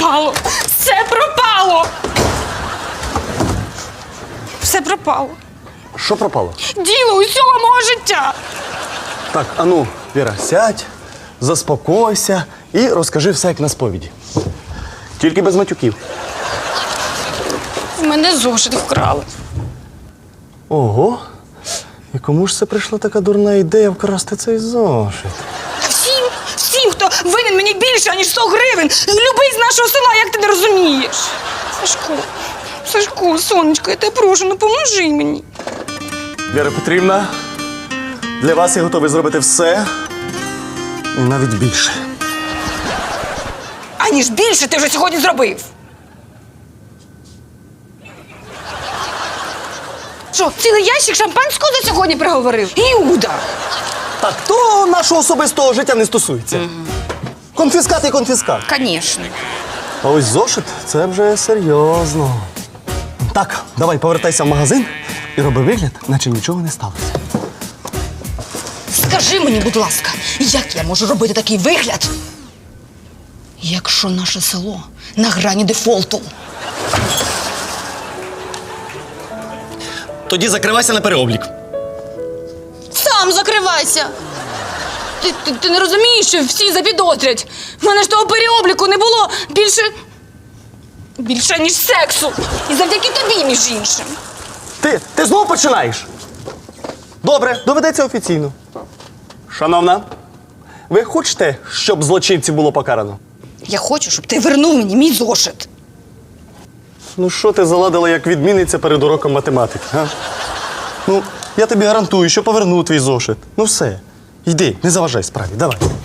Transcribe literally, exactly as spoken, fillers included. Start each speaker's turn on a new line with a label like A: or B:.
A: пропало! Все пропало! Все пропало.
B: Що пропало?
A: Діло усього мого життя.
B: Так, ану, Віра, сядь, заспокойся і розкажи все, як на сповіді. Тільки без матюків.
A: В мене зошит вкрали.
B: Ого. І кому ж це прийшла така дурна ідея вкрасти цей зошит?
A: Всім, всім, хто винен мені більше, ніж сто гривень. Любий з нашого села, як ти не розумієш. Сашко, Сашко, сонечко, я тебе прошу, ну поможи мені.
B: Віра Петрівна, для вас я готовий зробити все і навіть більше.
A: Аніж більше ти вже сьогодні зробив. Що, цілий ящик шампанського за сьогодні приговорив? Іуда!
B: Так, то нашого особистого життя не стосується. Угу. Конфіскат і конфіскат.
A: Звісно.
B: А ось зошит – це вже серйозно. Так, давай повертайся в магазин і роби вигляд, наче нічого не сталося.
A: Скажи мені, будь ласка, як я можу робити такий вигляд, якщо наше село на грані дефолту?
B: Тоді закривайся на переоблік.
A: Сам закривайся! Ти, ти, ти не розумієш, що всі запідозрять? В мене ж того переобліку не було більше... більше, ніж сексу. І завдяки тобі, між іншим.
B: Ти, ти знову починаєш? Добре, доведеться офіційно. Шановна, ви хочете, щоб злочинців було покарано?
A: Я хочу, щоб ти вернув мені мій зошит.
B: Ну що ти заладила, як відмінниця перед уроком математики, га? Ну, я тобі гарантую, що поверну твій зошит. Ну все, йди, не заважай справі, давай.